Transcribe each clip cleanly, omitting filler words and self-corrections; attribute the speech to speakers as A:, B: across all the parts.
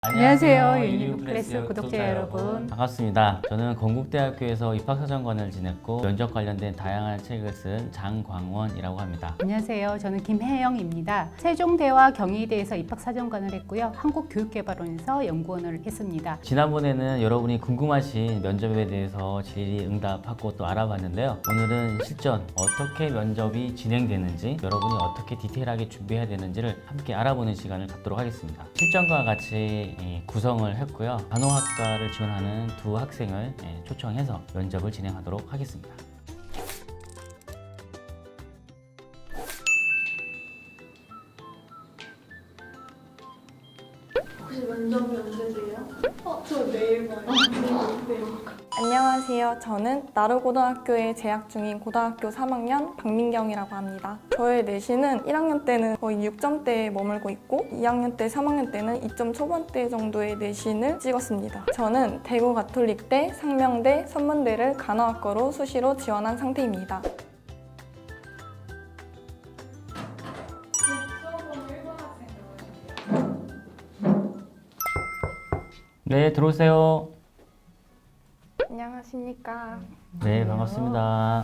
A: 안녕하세요. 유니브클래스 구독자 여러분.
B: 반갑습니다. 저는 건국대학교에서 입학사정관을 지냈고 면접 관련된 다양한 책을 쓴 장광원이라고 합니다.
A: 안녕하세요. 저는 김혜영입니다. 세종대와 경희대에서 입학사정관을 했고요. 한국교육개발원에서 연구원을 했습니다.
B: 지난번에는 여러분이 궁금하신 면접에 대해서 질의응답하고 또 알아봤는데요. 오늘은 실전 어떻게 면접이 진행되는지, 여러분이 어떻게 디테일하게 준비해야 되는지를 함께 알아보는 시간을 갖도록 하겠습니다. 실전과 같이 구성을 했고요. 간호학과를 지원하는 두 학생을 초청해서 면접을 진행하도록 하겠습니다.
C: 혹시 면접이 언제 돼요? 저 내일 봐요. 내일.
D: 안녕하세요. 저는 나루고등학교에 재학 중인 고등학교 3학년 박민경이라고 합니다. 저의 내신은 1학년 때는 거의 6점대에 머물고 있고 2학년 때, 3학년 때는 2점 초반대 정도의 내신을 찍었습니다. 저는 대구 가톨릭대, 상명대, 선문대를 간호학과로 수시로 지원한 상태입니다.
B: 네, 들어오세요.
D: 안녕하십니까.
B: 네, 반갑습니다.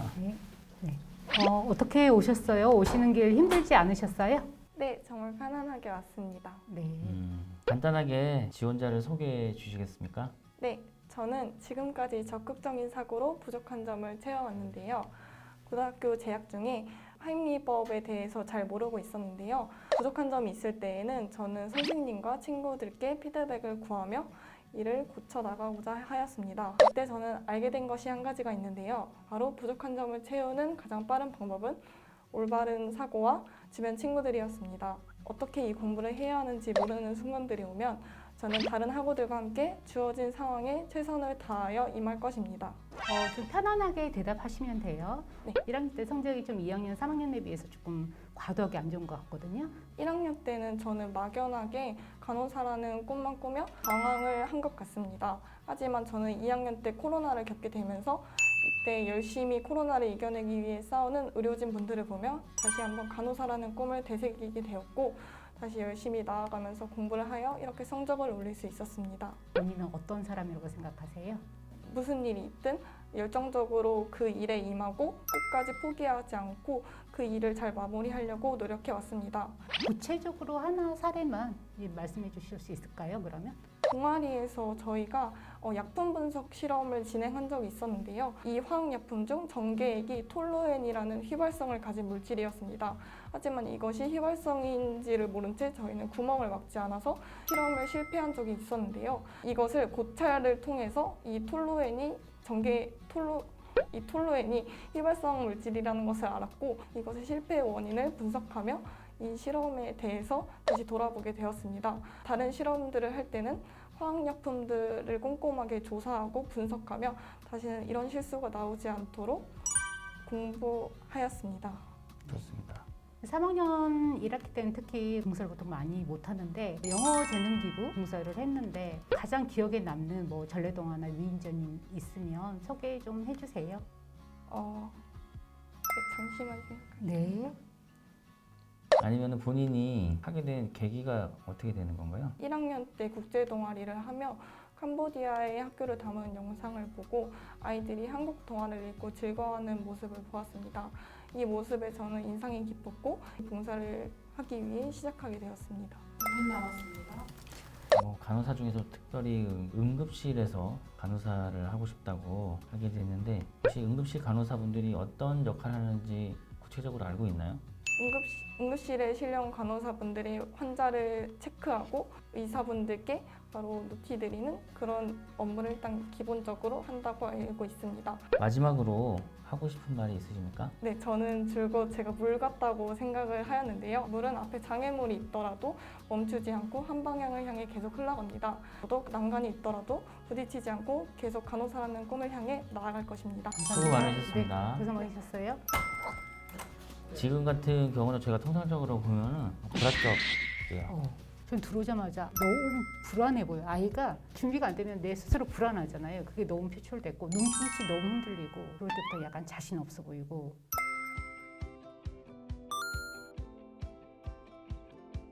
A: 어떻게 오셨어요? 오시는 길 힘들지 않으셨어요?
D: 네, 정말 편안하게 왔습니다.
A: 네.
B: 간단하게 지원자를 소개해 주시겠습니까?
D: 네, 저는 지금까지 적극적인 사고로 부족한 점을 채워왔는데요. 고등학교 재학 중에 하임리법에 대해서 잘 모르고 있었는데요. 부족한 점이 있을 때에는 저는 선생님과 친구들께 피드백을 구하며 이를 고쳐 나가고자 하였습니다. 그때 저는 알게 된 것이 한 가지가 있는데요. 바로 부족한 점을 채우는 가장 빠른 방법은 올바른 사고와 주변 친구들이었습니다. 어떻게 이 공부를 해야 하는지 모르는 순간들이 오면 저는 다른 학우들과 함께 주어진 상황에 최선을 다하여 임할 것입니다.
A: 좀 편안하게 대답하시면 돼요.
D: 네.
A: 1학년 때 성적이 좀 2학년, 3학년에 비해서 조금 과도하게 안 좋은 것 같거든요.
D: 1학년 때는 저는 막연하게 간호사라는 꿈만 꾸며 방황을 한 것 같습니다. 하지만 저는 2학년 때 코로나를 겪게 되면서 이때 열심히 코로나를 이겨내기 위해 싸우는 의료진 분들을 보며 다시 한번 간호사라는 꿈을 되새기게 되었고 다시 열심히 나아가면서 공부를 하여 이렇게 성적을 올릴 수 있었습니다.
A: 본인은 어떤 사람이라고 생각하세요?
D: 무슨 일이 있든 열정적으로 그 일에 임하고 끝까지 포기하지 않고 그 일을 잘 마무리하려고 노력해 왔습니다.
A: 구체적으로 하나 사례만 말씀해 주실 수 있을까요, 그러면?
D: 동아리에서 저희가 약품 분석 실험을 진행한 적이 있었는데요. 이 화학약품 중 전개액이 톨루엔이라는 휘발성을 가진 물질이었습니다. 하지만 이것이 휘발성인지를 모른 채 저희는 구멍을 막지 않아서 실험을 실패한 적이 있었는데요. 이것을 고찰을 통해서 이 톨루엔이 휘발성 물질이라는 것을 알았고 이것의 실패의 원인을 분석하며 이 실험에 대해서 다시 돌아보게 되었습니다. 다른 실험들을 할 때는 화학약품들을 꼼꼼하게 조사하고 분석하며 다시는 이런 실수가 나오지 않도록 공부하였습니다.
B: 좋습니다.
A: 3학년 1학기 때는 특히 공부를 보통 많이 못하는데 영어 재능기부 공부를 했는데 가장 기억에 남는 전래동화나 위인전이 있으면 소개 좀 해주세요.
D: 잠시만요.
A: 네.
B: 아니면 본인이 하게 된 계기가 어떻게 되는 건가요?
D: 1학년 때 국제 동아리를 하며 캄보디아의 학교를 담은 영상을 보고 아이들이 한국 동화를 읽고 즐거워하는 모습을 보았습니다. 이 모습에 저는 인상이 깊었고 봉사를 하기 위해 시작하게 되었습니다.
B: 간호사 중에서 특별히 응급실에서 간호사를 하고 싶다고 하게 됐는데 혹시 응급실 간호사분들이 어떤 역할을 하는지 구체적으로 알고 있나요?
D: 응급실에 실려온 간호사분들이 환자를 체크하고 의사분들께 바로 노티드리는 그런 업무를 일단 기본적으로 한다고 알고 있습니다.
B: 마지막으로 하고 싶은 말이 있으십니까?
D: 네, 저는 줄곧 제가 물 같다고 생각을 하였는데요. 물은 앞에 장애물이 있더라도 멈추지 않고 한 방향을 향해 계속 흘러갑니다. 더더욱 난간이 있더라도 부딪히지 않고 계속 간호사라는 꿈을 향해 나아갈 것입니다.
B: 수고 많으셨습니다.
A: 네, 고생 많으셨어요.
B: 지금 같은 경우는 저희가 통상적으로 보면은 불합격이에요.
A: 전 들어오자마자 너무 불안해 보여요. 아이가 준비가 안 되면 내 스스로 불안하잖아요. 그게 너무 표출됐고 눈빛이 너무 흔들리고 그럴 때부터 약간 자신 없어 보이고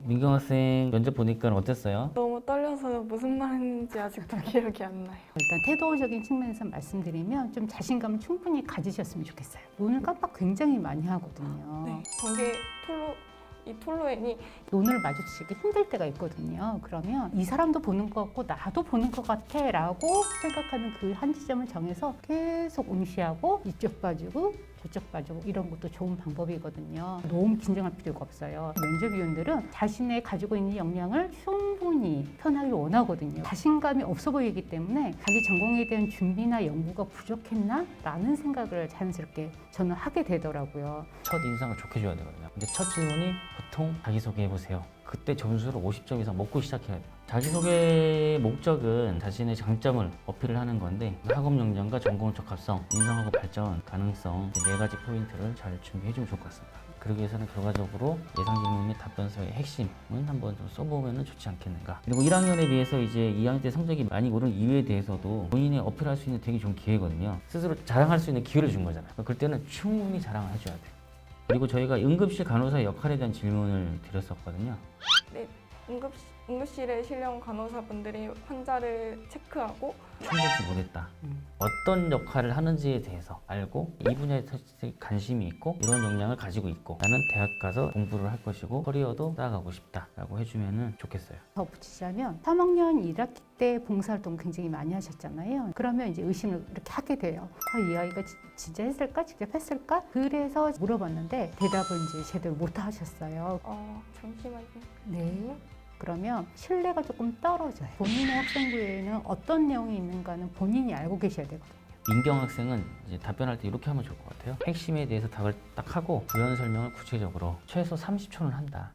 B: 민경 학생 면접 보니까 어땠어요?
D: 너무 떨려서 무슨 말 했는지 아직도 기억이 안 나요.
A: 일단 태도적인 측면에서 말씀드리면 좀 자신감을 충분히 가지셨으면 좋겠어요. 눈을 깜빡 굉장히 많이 하거든요.
D: 네, 전개 톨로엔이
A: 눈을 마주치기 힘들 때가 있거든요. 그러면 이 사람도 보는 것 같고 나도 보는 것 같아 라고 생각하는 그 한 지점을 정해서 계속 응시하고 이쪽 봐주고 저쪽 봐주고 이런 것도 좋은 방법이거든요. 너무 긴장할 필요가 없어요. 면접위원들은 자신의 가지고 있는 역량을 충분히 표현하기 원하거든요. 자신감이 없어 보이기 때문에 자기 전공에 대한 준비나 연구가 부족했나? 라는 생각을 자연스럽게 저는 하게 되더라고요.
B: 첫 인상을 좋게 줘야 되거든요. 근데 첫 질문이 보통 자기소개해보세요. 그때 점수를 50점 이상 먹고 시작해야 돼요. 자기소개의 목적은 자신의 장점을 어필을 하는 건데 학업 역량과 전공 적합성, 인성하고 발전 가능성 이 4가지 포인트를 잘 준비해주면 좋을 것 같습니다. 그러기 위해서는 결과적으로 예상 질문 및 답변서의 핵심은 한번 좀 써보면 좋지 않겠는가. 그리고 1학년에 비해서 이제 2학년 때 성적이 많이 오른 이유에 대해서도 본인이 어필할 수 있는 되게 좋은 기회거든요. 스스로 자랑할 수 있는 기회를 준 거잖아요. 그럴 때는 충분히 자랑을 해줘야 돼요. 그리고 저희가 응급실 간호사의 역할에 대한 질문을 드렸었거든요.
D: 네, 응급실에 실려온 간호사분들이 환자를 체크하고
B: 충분치 못했다. 어떤 역할을 하는지에 대해서 알고 이 분야에 관심이 있고 이런 역량을 가지고 있고 나는 대학 가서 공부를 할 것이고 커리어도 쌓아가고 싶다라고 해주면 좋겠어요.
A: 더 붙이자면 3학년 1학기 때 봉사활동 굉장히 많이 하셨잖아요. 그러면 이제 의심을 이렇게 하게 돼요. 이 아이가 진짜 했을까? 직접 했을까? 그래서 물어봤는데 대답을 이제 제대로 못 하셨어요.
D: 잠시만요.
A: 네. 그러면 신뢰가 조금 떨어져요. 본인의 학생부에는 어떤 내용이 있는가는 본인이 알고 계셔야 되거든요.
B: 민경 학생은 이제 답변할 때 이렇게 하면 좋을 것 같아요. 핵심에 대해서 답을 딱 하고 부연 설명을 구체적으로 최소 30초는 한다.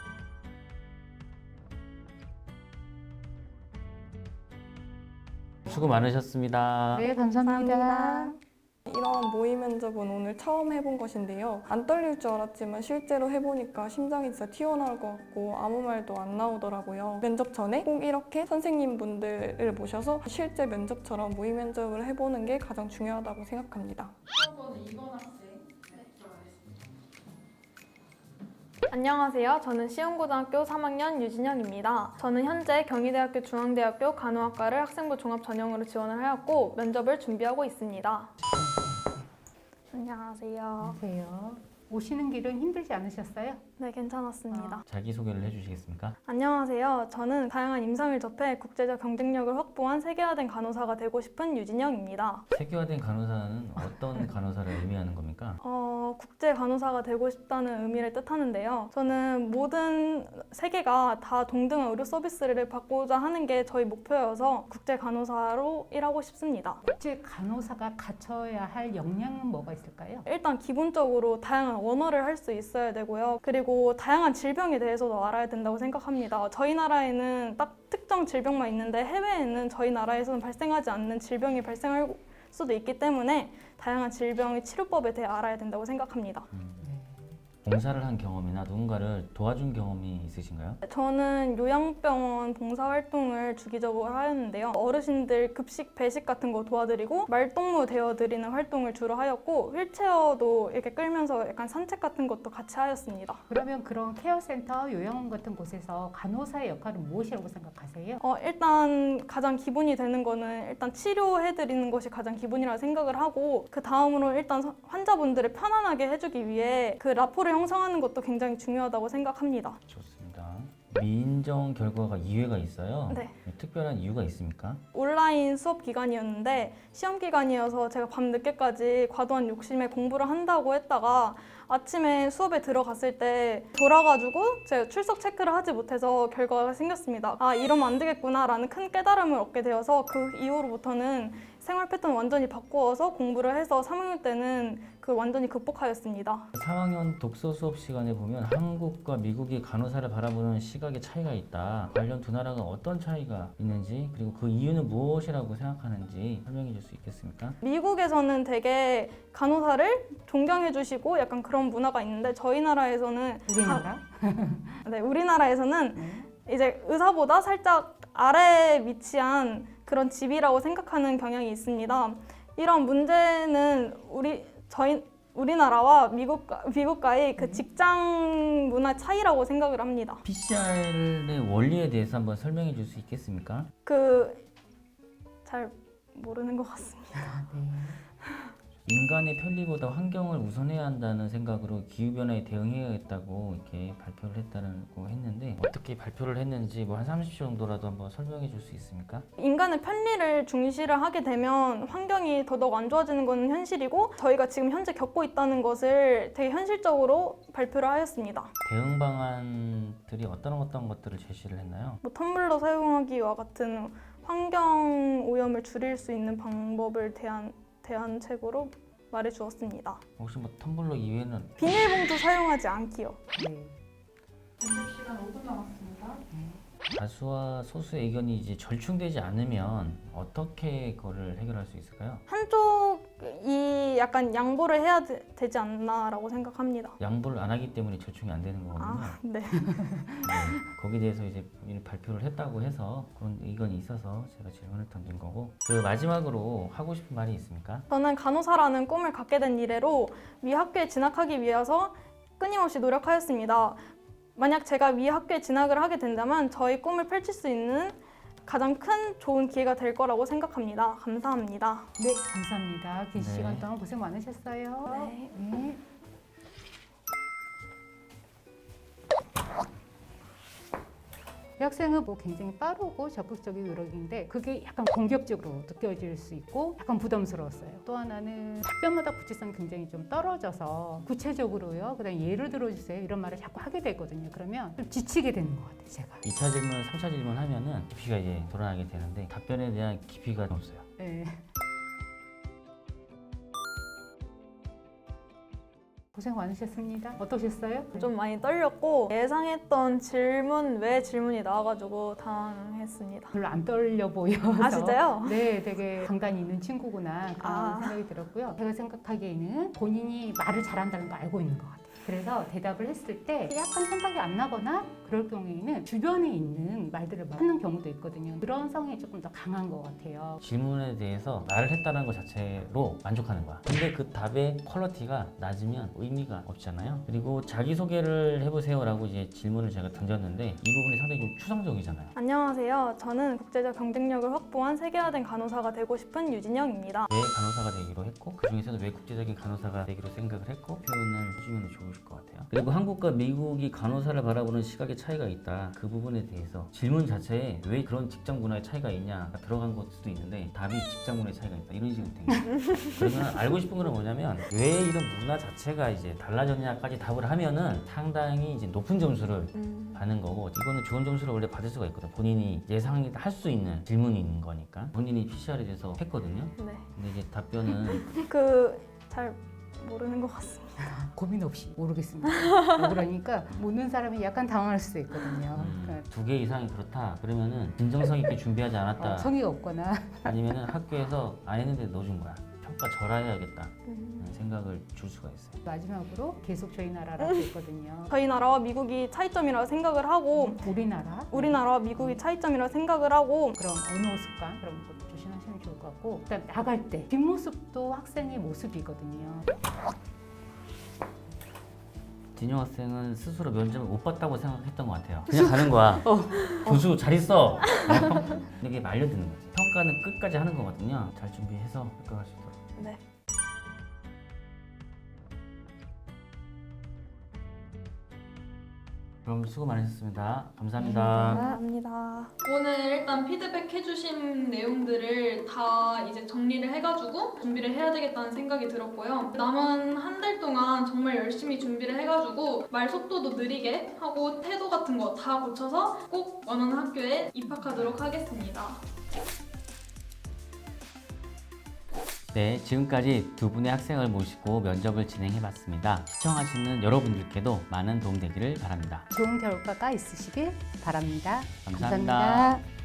B: 수고 많으셨습니다.
A: 네, 감사합니다.
D: 이런 모의 면접은 오늘 처음 해본 것인데요. 안 떨릴 줄 알았지만 실제로 해보니까 심장이 진짜 튀어나올 것 같고 아무 말도 안 나오더라고요. 면접 전에 꼭 이렇게 선생님분들을 모셔서 실제 면접처럼 모의 면접을 해보는 게 가장 중요하다고 생각합니다.
E: 안녕하세요. 저는 시흥고등학교 3학년 유진영입니다. 저는 현재 경희대학교 중앙대학교 간호학과를 학생부 종합 전형으로 지원을 하였고 면접을 준비하고 있습니다. 안녕하세요.
A: 안녕하세요. 오시는 길은 힘들지 않으셨어요?
E: 네, 괜찮았습니다.
B: 자기소개를 해주시겠습니까?
E: 안녕하세요. 저는 다양한 임상을 접해 국제적 경쟁력을 확보한 세계화된 간호사가 되고 싶은 유진영입니다.
B: 세계화된 간호사는 어떤 간호사를 의미하는 겁니까?
E: 국제 간호사가 되고 싶다는 의미를 뜻하는데요. 저는 모든 세계가 다 동등한 의료 서비스를 받고자 하는 게 저희 목표여서 국제 간호사로 일하고 싶습니다.
A: 국제 간호사가 갖춰야 할 역량은 뭐가 있을까요?
E: 일단 기본적으로 다양한 언어를 할 수 있어야 되고요. 그리고 다양한 질병에 대해서도 알아야 된다고 생각합니다. 저희 나라에는 딱 특정 질병만 있는데 해외에는 저희 나라에서는 발생하지 않는 질병이 발생할 수도 있기 때문에 다양한 질병의 치료법에 대해 알아야 된다고 생각합니다.
B: 봉사를 한 경험이나 누군가를 도와준 경험이 있으신가요?
E: 저는 요양병원 봉사활동을 주기적으로 하였는데요. 어르신들 급식, 배식 같은 거 도와드리고 말동무 대여드리는 활동을 주로 하였고 휠체어도 이렇게 끌면서 약간 산책 같은 것도 같이 하였습니다.
A: 그러면 그런 케어센터, 요양원 같은 곳에서 간호사의 역할은 무엇이라고 생각하세요?
E: 일단 가장 기본이 되는 거는 일단 치료해드리는 것이 가장 기본이라고 생각을 하고 그 다음으로 일단 환자분들을 편안하게 해주기 위해 그 라포를 형성하는 것도 굉장히 중요하다고 생각합니다.
B: 좋습니다. 민정 결과가 2회가 있어요.
E: 네.
B: 특별한 이유가 있습니까?
E: 온라인 수업 기간이었는데 시험 기간이어서 제가 밤 늦게까지 과도한 욕심에 공부를 한다고 했다가 아침에 수업에 들어갔을 때 돌아가지고 제가 출석 체크를 하지 못해서 결과가 생겼습니다. 이러면 안 되겠구나라는 큰 깨달음을 얻게 되어서 그 이후로부터는 생활 패턴 완전히 바꾸어서 공부를 해서 3학년 때는 그 완전히 극복하였습니다.
B: 3학년 독서 수업 시간에 보면 한국과 미국의 간호사를 바라보는 시각의 차이가 있다. 관련 두 나라가 어떤 차이가 있는지 그리고 그 이유는 무엇이라고 생각하는지 설명해 줄 수 있겠습니까?
E: 미국에서는 되게 간호사를 존경해 주시고 약간 그런 문화가 있는데 저희 나라에서는
A: 우리나라?
E: 네, 우리나라에서는 이제 의사보다 살짝 아래에 위치한 그런 집이라고 생각하는 경향이 있습니다. 이런 문제는 우리나라와 미국과의 그 직장 문화 차이라고 생각을 합니다.
B: PCR의 원리에 대해서 한번 설명해 줄 수 있겠습니까?
E: 잘 모르는 것 같습니다.
B: 인간의 편리보다 환경을 우선해야 한다는 생각으로 기후변화에 대응해야겠다고 이렇게 발표를 했다고 했는데 어떻게 발표를 했는지 뭐 한 30초 정도라도 한번 설명해 줄 수 있습니까?
E: 인간의 편리를 중시를 하게 되면 환경이 더더욱 안 좋아지는 건 현실이고 저희가 지금 현재 겪고 있다는 것을 되게 현실적으로 발표를 하였습니다.
B: 대응 방안들이 어떤 것들을 제시를 했나요?
E: 뭐 텀블러 사용하기와 같은 환경 오염을 줄일 수 있는 방법을 대안책으로 말해 주었습니다.
B: 혹시 뭐 텀블러 이외에는
E: 비닐봉투 사용하지 않기요.
A: 네.
C: 연습 시간 5분 남았습니다.
B: 다수와 소수의 의견이 이제 절충되지 않으면 어떻게 그거를 해결할 수 있을까요?
E: 한쪽이 약간 양보를 해야 되지 않나라고 생각합니다.
B: 양보를 안 하기 때문에 절충이 안 되는 거거든요.
E: 네.
B: 네, 거기에 대해서 이제 본인이 발표를 했다고 해서 그런 의견이 있어서 제가 질문을 던진 거고 그 마지막으로 하고 싶은 말이 있습니까?
E: 저는 간호사라는 꿈을 갖게 된 이래로 위 학교에 진학하기 위해서 끊임없이 노력하였습니다. 만약 제가 위 학교에 진학을 하게 된다면 저희 꿈을 펼칠 수 있는 가장 큰 좋은 기회가 될 거라고 생각합니다. 감사합니다.
A: 네, 감사합니다. 긴
B: 네.
A: 시간 동안 고생 많으셨어요.
E: 네.
A: 네. 이 학생은 뭐 굉장히 빠르고 적극적인 노력인데 그게 약간 공격적으로 느껴질 수 있고 약간 부담스러웠어요. 또 하나는 답변마다 구체성이 굉장히 좀 떨어져서 구체적으로요. 그다음 예를 들어주세요. 이런 말을 자꾸 하게 되거든요. 그러면 좀 지치게 되는 것 같아요. 제가.
B: 2차 질문, 3차 질문 하면은 깊이가 이제 드러나게 되는데 답변에 대한 깊이가 없어요.
A: 네. 고생 많으셨습니다. 어떠셨어요?
E: 좀 많이 떨렸고 예상했던 질문 외 질문이 나와가지고 당황했습니다.
A: 별로 안 떨려 보여서.
E: 아 진짜요?
A: 네, 되게 강단이 있는 친구구나 그런
E: 아.
A: 생각이 들었고요. 제가 생각하기에는 본인이 말을 잘한다는 거 알고 있는 것 같아요. 그래서 대답을 했을 때 약간 생각이 안 나거나 그럴 경우에는 주변에 있는 말들을 하는 경우도 있거든요. 그런 성이 조금 더 강한 것 같아요.
B: 질문에 대해서 말을 했다는 것 자체로 만족하는 거야. 근데 그 답의 퀄리티가 낮으면 의미가 없잖아요. 그리고 자기소개를 해보세요라고 이제 질문을 제가 던졌는데 이 부분이 상당히 좀 추상적이잖아요.
E: 안녕하세요. 저는 국제적 경쟁력을 확보한 세계화된 간호사가 되고 싶은 유진영입니다.
B: 왜 간호사가 되기로 했고 그 중에서도 왜 국제적인 간호사가 되기로 생각을 했고 표현을 해주면 좋을 것 같아요. 그리고 한국과 미국이 간호사를 바라보는 시각의 차이가 있다. 그 부분에 대해서 질문 자체에 왜 그런 직장 문화의 차이가 있냐가 들어간 걸 수도 있는데 답이 직장 문화의 차이가 있다. 이런 식으로 된 거예요. 그러면 알고 싶은 건 뭐냐면 왜 이런 문화 자체가 이제 달라졌냐까지 답을 하면은 상당히 이제 높은 점수를 받는 거고 이거는 좋은 점수를 원래 받을 수가 있거든. 본인이 예상할 수 있는 질문이 있는 거니까 본인이 PCR에 대해서 했거든요.
E: 네.
B: 근데 이제 답변은
E: 잘 모르는 것 같습니다.
A: 고민 없이 모르겠습니다. 그러니까 묻는 사람이 약간 당황할 수도 있거든요. 그러니까
B: 2개 이상이 그렇다. 그러면은 진정성 있게 준비하지 않았다.
A: 성의가 없거나
B: 아니면은 학교에서 안 했는데 넣어준 거야. 평가 절하해야겠다. 생각을 줄 수가 있어요.
A: 마지막으로 계속 저희 나라라고 있거든요.
E: 저희 나라와 미국이 차이점이라고 생각을 하고 우리나라와 미국이 차이점이라고 생각을 하고
A: 그럼 언어 습관 그런 것도 조심하시면 좋을 것 같고 그다음 나갈 때 뒷모습도 학생의 모습이거든요.
B: 진영 학생은 스스로 면접을 못 봤다고 생각했던 것 같아요. 그냥 가는 거야. 교수 잘 있어. 이게 말려드는 거지. 평가는 끝까지 하는 거거든요. 잘 준비해서 합격할 수 있도록.
E: 네.
B: 그럼 수고 많으셨습니다. 감사합니다.
E: 감사합니다.
C: 오늘 일단 피드백 해주신 내용들을 다 이제 정리를 해가지고 준비를 해야 되겠다는 생각이 들었고요. 남은 한 달 동안 정말 열심히 준비를 해가지고 말 속도도 느리게 하고 태도 같은 거 다 고쳐서 꼭 원하는 학교에 입학하도록 하겠습니다.
B: 네, 지금까지 두 분의 학생을 모시고 면접을 진행해봤습니다. 시청하시는 여러분들께도 많은 도움되기를 바랍니다.
A: 좋은 결과가 있으시길 바랍니다.
B: 감사합니다.
A: 감사합니다.